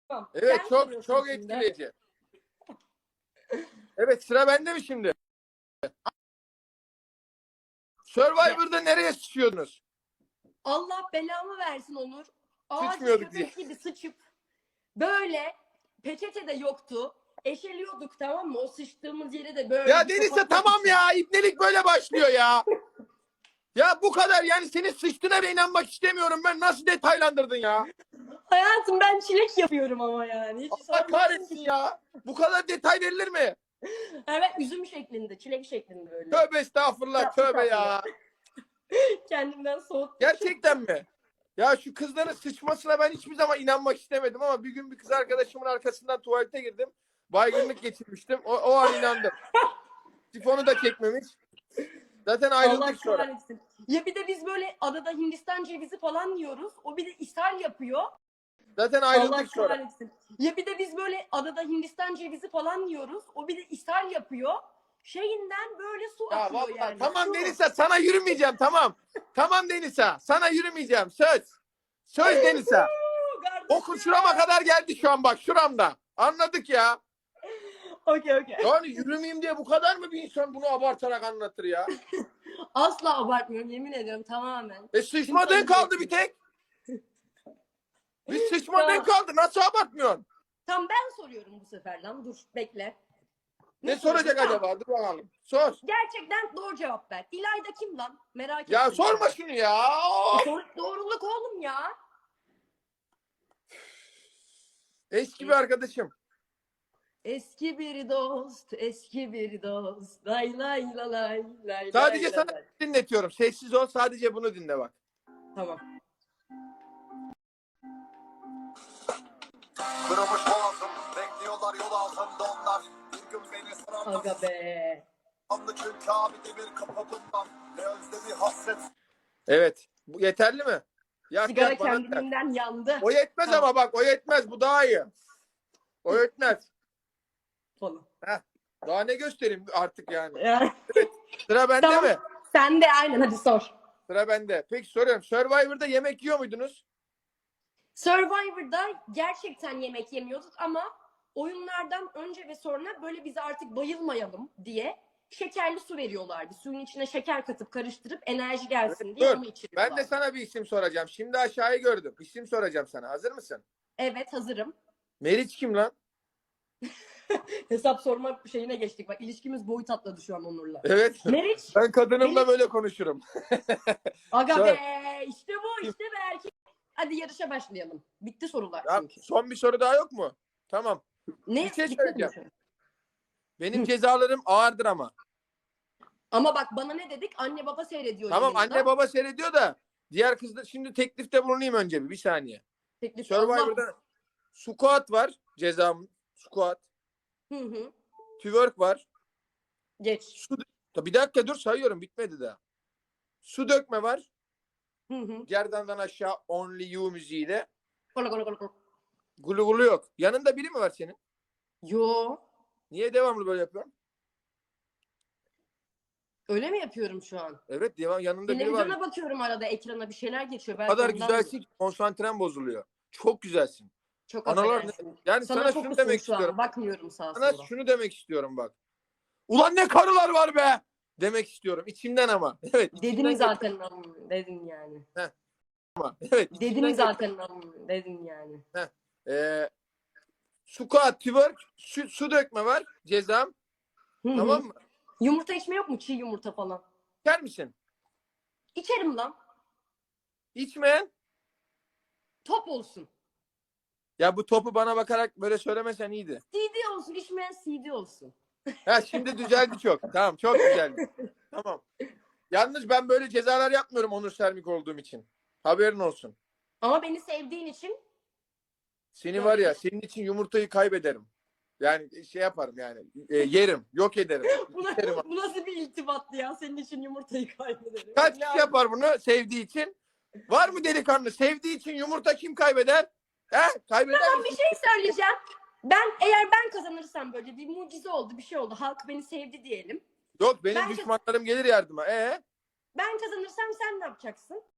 Tamam. Evet, Sen çok soruyorsun çok şimdi. etkileyici. Evet, sıra bende mi şimdi? Survivor'da nereye sıçıyordunuz? Allah belamı versin Onur. Ağacı Sıçmıyorduk köpek diye. gibi sıçıp böyle peçete de yoktu. Eşeliyorduk, tamam mı? O sıçtığımız yeri de böyle Ya bir Deniz'e kapatmak tamam için. ya. İbnelik böyle başlıyor ya. Ya bu kadar, yani senin sıçtığına bile inanmak istemiyorum ben. Nasıl detaylandırdın ya? Hayatım ben çilek yapıyorum ama yani. Hiç Allah sormuyorsun kahretsin ki. ya. Bu kadar detay verilir mi? Evet, üzüm şeklinde, çilek şeklinde öyle. Tövbe estağfurullah, Tatlı tövbe tatlı. ya. Kendimden soğuttum. Gerçekten mi? Ya şu kızların sıçmasına ben hiçbir zaman inanmak istemedim ama bir gün bir kız arkadaşımın arkasından tuvalete girdim. Baygınlık geçirmiştim. O an inandım. Sifonu da çekmemiş. Zaten Allah ayrıldık sonra. kahretsin. Ya bir de biz böyle adada Hindistan cevizi falan yiyoruz. O bir de ishal yapıyor. Zaten Allah ayrıldık sonra. kahretsin. Ya bir de biz böyle adada Hindistan cevizi falan yiyoruz. O bir de ishal yapıyor. Şeyinden böyle su Ya akıyor vallahi yani. tamam Su. Denisa, sana yürümeyeceğim, tamam. Tamam Denisa, sana yürümeyeceğim, söz. Söz Denisa. Okul Kardeşim. şurama kadar geldi şu an, bak şuramda. Anladık ya. Okey. Yani yürümeyeyim diye bu kadar mı bir insan bunu abartarak anlatır ya? Asla abartmıyorum, yemin ediyorum, tamamen. Sıçmadığın kaldı bir tek. Bir sıçmadığın kaldı. Nasıl abartmıyorsun? Tamam, ben soruyorum bu sefer lan. Dur bekle. Ne soracak soracağım? acaba? Dur bakalım. Sor. Gerçekten doğru cevap ver. İlayda kim lan? Merak Ya ettim. sorma şunu ya. Doğruluk oğlum ya. Eski bir arkadaşım. Eski bir dost, eski bir dost. Lay lay la lay lay Sadece lay la sana lay. dinletiyorum. Sessiz ol. Sadece bunu dinle bak. Tamam. Kırılmış boğazım, bekliyorlar yol altında onlar. Bir gün beni sıramda Aga be. anlı çünkü abi demir kapatımdan. Ne özlemi hasret. Evet. Bu yeterli mi? Yak Sigara yak bana yak. kendiliğinden yandı. O yetmez Tamam. ama bak, o yetmez. Bu daha iyi. O yetmez. Falan. Heh. Daha ne göstereyim artık yani. Yani. Sıra bende Tamam. mi? Sen de aynen, hadi sor. Sıra bende. Peki soruyorum. Survivor'da yemek yiyor muydunuz? Survivor'da gerçekten yemek yemiyorduk ama oyunlardan önce ve sonra böyle bize artık bayılmayalım diye şekerli su veriyorlardı. Suyun içine şeker katıp karıştırıp enerji gelsin diye Dur. onu Ben içiriyorlardı. de sana bir isim soracağım. Şimdi aşağıyı gördüm. İsim soracağım sana. Hazır mısın? Evet, hazırım. Meriç kim lan? Hesap sorma şeyine geçtik. Bak, ilişkimiz boyut atladı şu an Onur'la. Evet. Meriç. Ben kadınımla Meriç. böyle konuşurum. Aga Sor. be, işte bu, işte be erkek. Hadi yarışa başlayalım. Bitti sorular Ya, çünkü. son bir soru daha yok mu? Tamam. Ne? Bir şey Bitmedi mi söyleyeceğim. şu an? Benim cezalarım ağırdır ama. Ama bak, bana ne dedik? Anne baba seyrediyor Tamam, yayında. anne baba seyrediyor da diğer kızlar, şimdi teklifte bulunayım önce bir saniye. Teklif Allah. Survivor'da squat var, cezam squat. Hı hı. Twerk var. Geç. Bir dakika dur, sayıyorum, bitmedi daha. Su dökme var. Hı hı. Gerdandan aşağı Only You müziğiyle. Kola kola kola kola. Gulu gulu yok. Yanında biri mi var senin? Yo. Niye devamlı böyle yapıyorsun? Öyle mi yapıyorum şu an? Evet, yanında biri var. Televizyona bakıyorum arada, ekrana bir şeyler geçiyor. O Belki kadar ondan güzelsin ki konsantrem bozuluyor. Çok güzelsin. çok Analar affedersin. yani sana çok şunu musun demek şu an? istiyorum. Bakmıyorum sağa Sana sola. şunu demek istiyorum bak. Ulan ne karılar var be! Demek istiyorum. İçimden ama. Evet. Dedin zaten dedin yani. Ama. Evet. Dedin zaten dedin yani. Squat, twerk, su dökme var. Cezam. Hı hı. Tamam mı? Yumurta içme yok mu? Çiğ yumurta falan. İçer misin? İçerim lan. İçmeyen. Top olsun. Ya bu topu bana bakarak böyle söylemesen iyiydi. CD olsun. İçmeyen CD olsun. Ha, şimdi düzeldi çok. Tamam, çok güzeldi. Tamam. Yalnız ben böyle cezalar yapmıyorum Onur Sermik olduğum için. Haberin olsun. Ama beni sevdiğin için Seni var ya, senin için yumurtayı kaybederim. Yani şey yaparım yani. Yerim. Yok ederim. bu nasıl bir iltifattı ya? Senin için yumurtayı kaybederim. Kaç kişi yapar bunu sevdiği için? Var mı delikanlı? Sevdiği için yumurta kim kaybeder? He? Kaybeder Tamam, bir misin? şey söyleyeceğim. Eğer ben kazanırsam, böyle bir mucize oldu, bir şey oldu. Halk beni sevdi diyelim. Yok, benim Ben- düşmanlarım gelir yardıma. Ben kazanırsam sen ne yapacaksın?